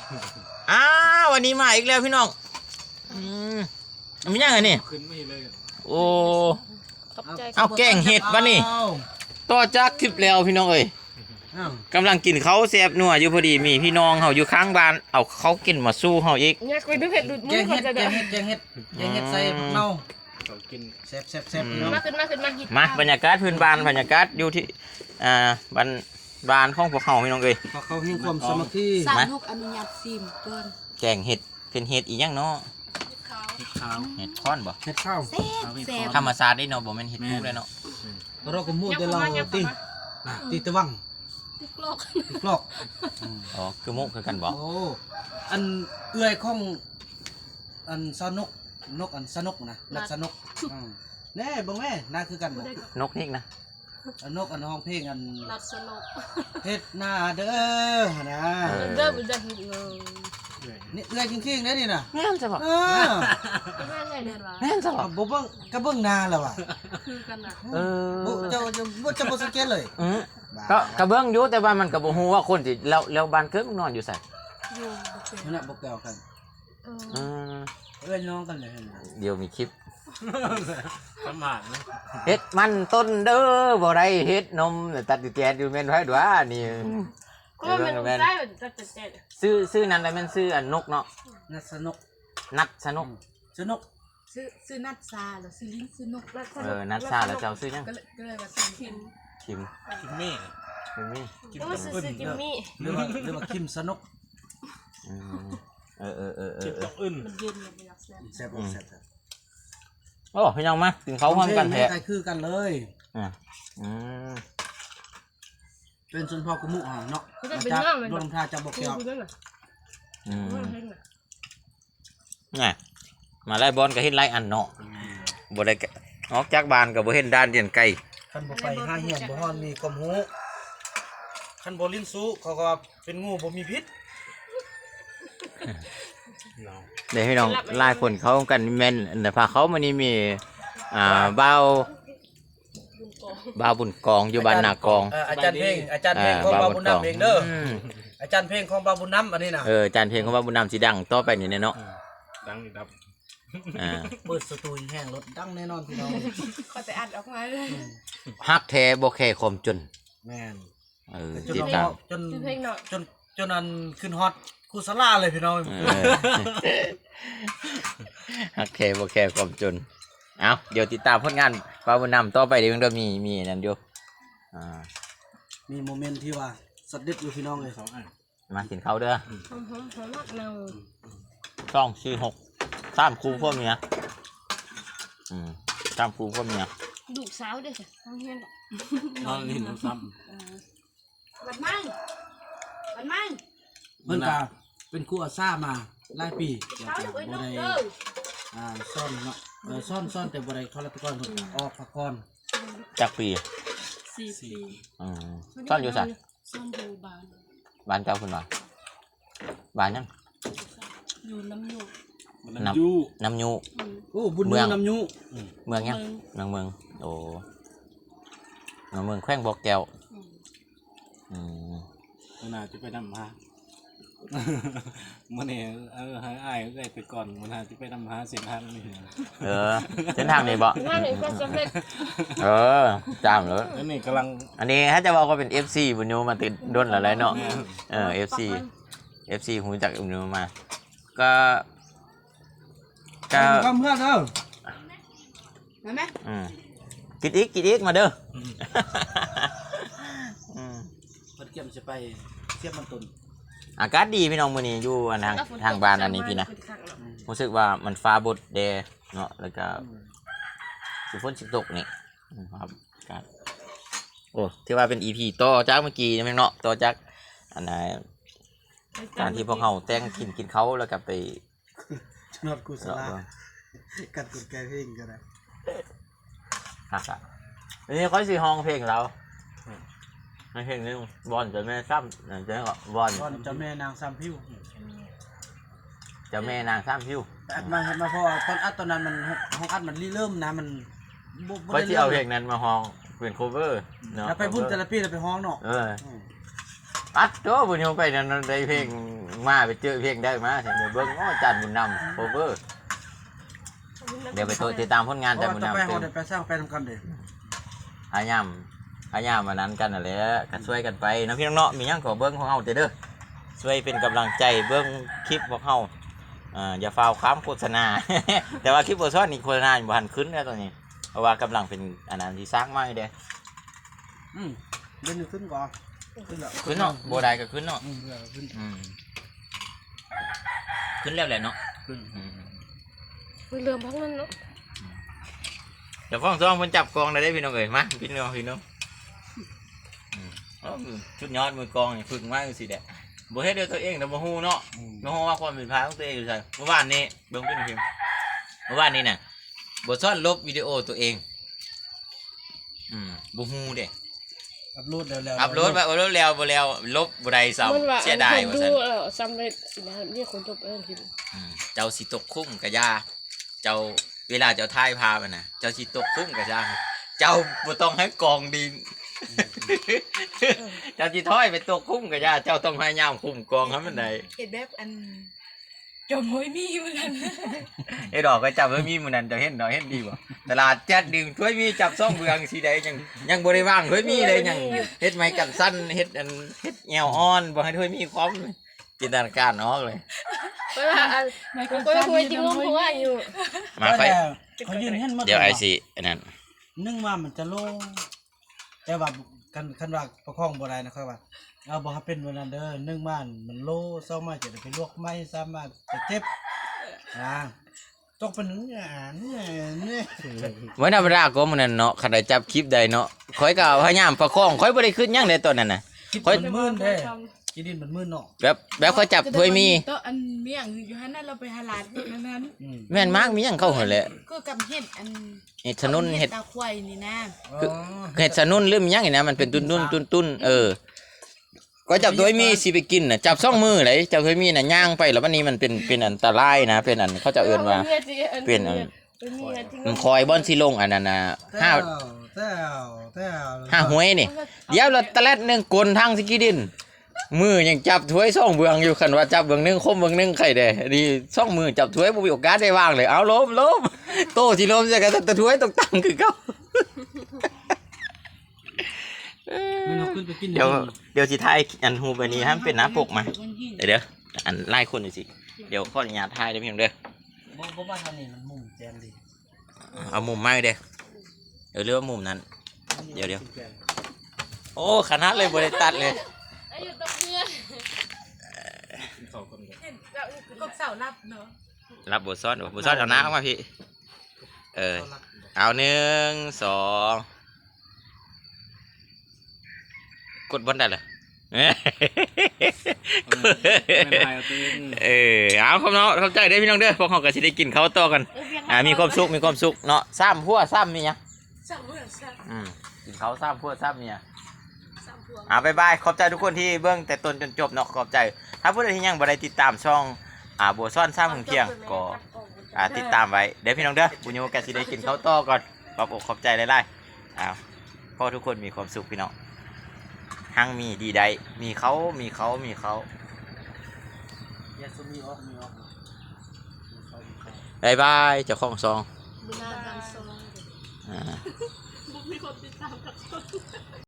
วันนี้มาอีกแล้วพี่น้องมันยังไงนี่ขึ้นไม่เลยโอ้เอาแกงเห็ดวะนี่ต่อจากคลิปแล้วพี่น้องเอ้ยกำลังกินเขาแซ่บนัวอยู่พอดีมีพี่น้องเขาอยู่ข้างบ้านเอาเขากินมาสู้เขาอีกอยากไปดูเห็ดดูดมือคนจะเด้อแกงเห็ดใส่เน่ากินแซ่บมาขึ้นมาบรรยากาศพื้นบ้านบรรยากาศอยู่ที่บ้านของพวกเขาพี่น้องเอ้ยเขาให้ความสามัคคีสามลูกอนุญาตซิมเกินแกงเห็ดเป็นเห็ดอีกอย่างเนาะเห็ดค้อนบ่เห็ดข้าวธรรมศาสตร์ได้เนาะบ่แม่นเห็ดมุกเลยเนาะเราก็มูดแต่เราตีตะวังติกลอกอ๋อคือมุกคือกันบ่โอ้อันเอื้อยของอันสนุกอันสนุกนะนักสนุกแน่บ่แม่น่าคือกันบ่นกนี่นะนกอันห้องเพลงอันนักสนุกเฮ็ดหน้าเด้อนะเด้อบ่ได้เฮ็ดเลยนี่เอื้อยจริงๆนะนี่น่ะแม่นจ้ะบ่แม่นไงเด้อวะแม่นจ้ะบ่บ่เบิ่งก็เบิ่งหน้าแล้วว่ะคือกันน่ะจะบ่สังเกตเลยก็เบิ่งอยู่แต่ว่ามันก็บ่ฮู้ว่าคนสิแล้วบ้านเกิดมึงนอนอยู่ไสอยู่นั่นน่ะบ่แก้วกันเอื้อยน้องกันเลยเดี๋ยวมีคลิปประมาทนะเฮ็ดมันต้นเด้อบ่ได้เฮ็ดนมตัดแจดอยู่แม่นไผดว่านี่ก็มันได้ตัดแจดซื้อนั้นได้แม่นซื้ออันนกเนาะนัดสนุกนัดสนุกซื้อนัดซาแล้วซื้อลิ้นซื้อนกนัดซาแล้วเจ้าซื้อยังก็เลยว่าซื้อคิมมี่ก็ซื้อคิมมี่หรือว่าคิมสนุกคิมตกอึนมันเย็นเลยไม่อยากแซ่บโอ้พี่น้องมาถึงเขาพร้อมกันแท้คือกันเลยเป็นส่วนพ่อกุมุเนาะจากดวงพาจะบอกเกี่ยวนี่มาไล่บอลก็เห็นไล่อันเนาะบ่ได้ออกจากบ้านก็บ่เห็นด้านเดียนไก่คันบ่ไปหาเหี้ยนบ่ฮอดมีความรู้คันบ่ลิ้นสู้เขาก็เป็นงูบ่มีพิษเดี๋ยวพี่น้องไล่คนเขากันแม่นแต่พาเขามานี่มีบ่าวบุญกองอยู่บ้านนากองอาจารย์เพลงของบ่าวบุญนำเองเด้ออาจารย์เพลงของบ่าวบุญนำอันนี้นะอาจารย์เพลงของบ่าวบุญนำสิดังต่อไปนี่เนาะดังอีกครับเปิดสตูแห้งรถดังแน่นอนพี่น้องเขาจะอัดออกมาเลยฮักแท้บ่แค่ความจนแม่นติดตามจนอันขึ้นฮอตคูสลาเลยพี่น้องฮักแท้บ่แค่ความจนเอาเดี๋ยวติดตามผลงานบ่าวบุญนำต่อไปเดี๋ยวมีนั่นอยู่มีโมเมนต์ที่ว่าสดเด็ดอยู่พี่น้องเลย2อันมากินข้าวเด้อหอมเนา 3 คู่พ่อเมีย3 คู่พ่อเมียดุสาวเด้อต้องเฮียนนอนลิ้นซ้ำบัดมั่งเพิ่นก็เป็นครูอาซ่ามาหลายปีบ่ได้ซ่อนเนาะซ่อนแต่บ่ได้ทรตะกอนเพิ่นออกตะกอนจักปี 4 ปีซ่อนอยู่ซั่นซ่อนอยู่บ้านเจ้าเพิ่นว่าบ้านยังอยู่น้ำยูโอ้บุญเมืองน้ำยูเมืองยังเมืองโอ้เมืองแขวงบ่อแก้วน่าจะไปนำหามันเนี่ยอ้ายได้ไปก่อนมันน่าจะไปนำหาเส้นทางนี่เส้นทางนี้บ่จามเลยนี่กำลังอันนี้ถ้าจะบอกว่าเป็น FC บุญโยมาติดด้นอะไรเนาะFC หูจักบุญโยมาก็เพื่อนเด้อเห็นไหมกินอีกมาเด้อเพิ่นเก็บจะไปเสียบมันตุนอากาศดีพี่น้องมื้อนี้อยู่ทางบ้านอันนี้พี่นะรู้สึกว่ามันฟ้าบดแดดเนาะแล้วก็สิฝนสิตกนี่ครับโอ้ที่ว่าเป็น EP ต่อจากเมื่อกี้นี่เนาะต่อจากอันไหนการที่พวกเฮาแต่งกินเขาแล้วก็ไปนอดกุศลกัดกุดแกเพลงก็ได้ครับวันนี้ค่อยสิห้องเพลงเราเพลงนึงบอลจะแม่ซ้ำจะก็บอลจะแม่นางซ้ำพิ้วจะแม่นางซ้ำพิ้วอัดมาพอตอนอัดตอนนั้นมันห้องอัดมันเริ่มนะมันค่อยสิเอาเพลงนั้นมาห้องเป็นโคเวอร์เนาะแล้วไปบุญเทอราปีแล้วไปห้องเนาะอัดโตบุญโยไปนั่นได้เพลงมาไปเจอเพลงได้มาเดี๋ยวเบิ่งอ้อจันบุญนำโคเวอร์เดี๋ยวไปติดตามผลงานจันบุญต่อไปนำเฮาได้ไปสร้างไปทำกันเด้พยายามมานั้นกันนั่นแหละก็ช่วยกันไปนะพี่น้องเนาะมีหยังขอเบิ่งของเฮาเด้อช่วยเป็นกำลังใจเบิ่งคลิปของเฮาอย่าฟาวค้ามโฆษณา แต่ว่าคลิปบ่ซ้อนนี่โฆษณาบ่ทันขึ้นแล้วตอนนี้เพราะว่ากำลังเป็นอันนั้นที่สร้างใหม่เด้เล่นขึ้นก่อนขึ้นแล้วขึ้นเนาะบ่ได้ก็ขึ้นเนาะขึ้นขึ้นแล้วแหละเนาะขึ้นมันเรื่องพักนั้นเนาะเดี๋ยวฟ้องซ้อมเพิ่นจับกองได้พี่น้องเอ้ยมาพี่น้องชุดยอดมือกองนี่ฝึกมาจังซี่แหละบ่เฮ็ดด้วยตัวเองแต่บ่ฮู้เนาะบ่ฮู้ว่าความผิดพลาดของตัวเองอยู่ไสเมื่อวานนี้เบิ่งเป็นพิมพ์เมื่อวานนี้น่ะบ่ซ่อนลบวิดีโอตัวเองบ่ฮู้เด้อัพโหลดแล้วอัพโหลดไปแล้วบ่แล้วลบบ่ได้ซ้ำเสียดายว่าดูซั่นซ้ำเลยสินะเรียกคนจบทีเจ้าสิตกคุ้มกะยาเจ้าเวลาเจ้าถ่ายภาพน่ะเจ้าสิตกคุ้มกะยาเจ้าบ่ต้องให้กองดิน เจ้าสิถอยไปตกคุ้มกะยาเจ้าต้องพยายามคุ้มกองให้มันได้เห็นแบบอันจมหอยมีเหมือนกันไอ้ดอกก็จับไว้มีมื้อนั้นเจ้าเห็นดอกเห็นดีบ่ตลาดแจ๊ดดึงถ้วยมีจับซ่องเบืองสิได้ยังบ่ได้วางถ้วยมีเลยยังเฮ็ดไม้กันสั้นเฮ็ดแนวอ่อนบ่ให้ถ้วยมีความจินตนาการออกเลยเวลามันก็คุยจริงเพราะว่าอยู่มาไฟเขายืนเห็นหมดเดี๋ยวไอ้สิอันนั้นนึ่งมามันจะโล่งแต่ว่าคันว่าประคองบ่ได้นะครับว่าเอาบ่ให้เป็นวันนั้นเด้อนึ่งมามันโล่เศร้ามาจะได้ไปลวกไม้สามารถจะเจ็บตกเป็นเนี่ยเมื่อธรรมดาก็มื้อนั้นเนาะคันได้จับคลิปได้เนาะข่อยก็พยายามประคองข่อยบ่ได้ขึ้นหยังเลยตอนนั้นน่ะคิดมันมื่นเด้คิดดินมันมื่นเนาะแบบเขาจับถ้วยมีก็อันเมี่ยงอยู่ฮั่นนั่นเราไปหาหลานนั้นแม่นมากมีหยังเข้าหั่นแหละก็กำเห็ดอันเฮ็ดถนนเฮ็ดตาควายนี่นะเฮ็ดถนนหรือมีหยังนี่นะมันเป็นตุ้นก็จับถ้วยมีสิไปกินน่ะจับสองมือเลยจับถ้วยมีน่ะย่างไปแล้ววันนี้มันเป็นอันตรายนะเป็นอันเขาจะเอิ้นว่าเป็นอันมันคอยบ่อนสิลงอันนั้นน่ะห้าหวยนี่เดี๋ยวเราตะแลดนึงกลทางสิกิดินมือยังจับถ้วย2เบืองอยู่คันว่าจับเบืองนึงคมเบืองนึงไข่แด้นี่2มือจับถ้วยบ่มีโอกาสได้วางเลยเอาล้มโตสิล้มซะก็แต่ถ้วยตกตั้งคือเก่ามันเอาขึ้นไปกินเดี๋ยวสิถ่ายอันฮูปอันนี้ให้มันเป็นหน้าปกมาเดี๋ยวอันไล่คนหน่อยสิเดี๋ยวขออนุญาตถ่ายได้เพียงเด้อบ่ว่าทางนี้มันมุมแจงดีเอามุมไม้เด้อเดี๋ยวเลือกมุมนั้นเดี๋ยวโอ้ขนาดเลยบริตัดเลยอยู่ตรงเรือก็เสารับเนาะรับบทซ้อนเอาน้ำเข้ามาพี่เอา1 2กดบนได้เลย เอาครับเนาะเข้าใจได้พี่น้องเด้อพวกเขาก็สิได้กินข้าวต่อกันมีความสุขเนาะซ้ำพัวซ้ำมีหยังสามเพื่อนสามกินข้าวซ้ำพัวซ้ำเนี่ยบ๊ายบายขอบใจทุกคนที่เบิ่งแต่ต้นจนจบเนาะขอบใจถ้าผู้ใดที่ยังบ่ได้ติดตามช่องบัวซ่อนซ้ำเที่ยงก็ติดตามไว้เดี๋ยวพี่น้องเด้อบุญโยก็สิได้กินข้าวต่อก่อนขอบอกขอบใจหลายๆพอทุกคนมีความสุขพี่น้องหังมีดีใดมีเขายาสุมีออกบายบายเจ้าของซองบุญนาการซองอ่า